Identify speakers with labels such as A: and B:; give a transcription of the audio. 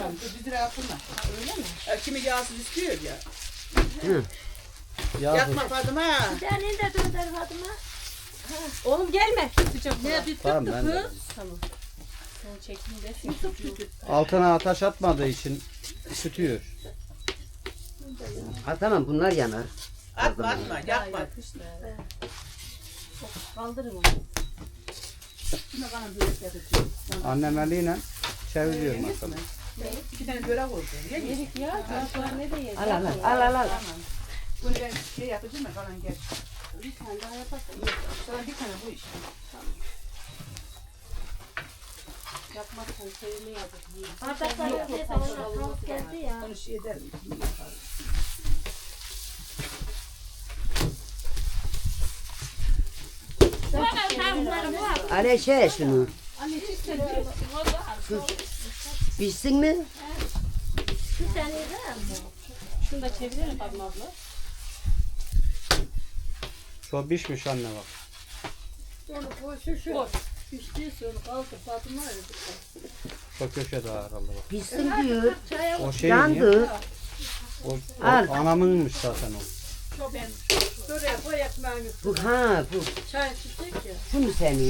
A: yapalım. 100 lira yapılmaz.
B: Öyle mi?
A: Kimi yağsız istiyor ya.
C: Hı. Yağsız.
A: Yakma Fatıma.
B: Bir tane de dönder Fatıma. Oğlum gelme. Sıcak ne bir
C: Tamam ben de.
B: Tamam. Sen çekin de.
C: Altına ateş atmadığı için ısıtıyor.
D: Ha tamam bunlar yanar.
A: Atma yakma.
B: Kaldırın onu.
A: Şuna bana börek yapacağım.
C: Annem eliyle çeviriyor masamı.
A: 2 tane börek oldu.
B: Yedik ya. Çocuklar ne de yedi.
D: Al.
A: Bunu ben şey yapacağım da kalan gel.
B: Bir tane daha yaparsın.
A: Sana bir tane bu işte.
B: Yapmazsan sevme yazık.
E: Bardaklar yapıyorsa ona tavuk geldi ya.
A: Onu şey ederim.
D: Aleşe şunu.
B: Anne çizsene.
D: Pişsin mi?
E: Bir tane de
B: Şunu da çevirelim Fatma abla.
C: Çok pişmiş anne bak.
E: onu koysun şu.
B: Koy.
E: Piştiyse onu kaldır Fatıma öyle.
C: Çok köşe daha herhalde bak.
D: Pişsin diyor.
C: O şey niye?
D: Yandı.
C: O
D: Al.
C: anamınmış zaten o.
E: Şuraya koy ekmeğini.
D: Bu bu.
E: Çay içecek ya.
D: Şu mu senin?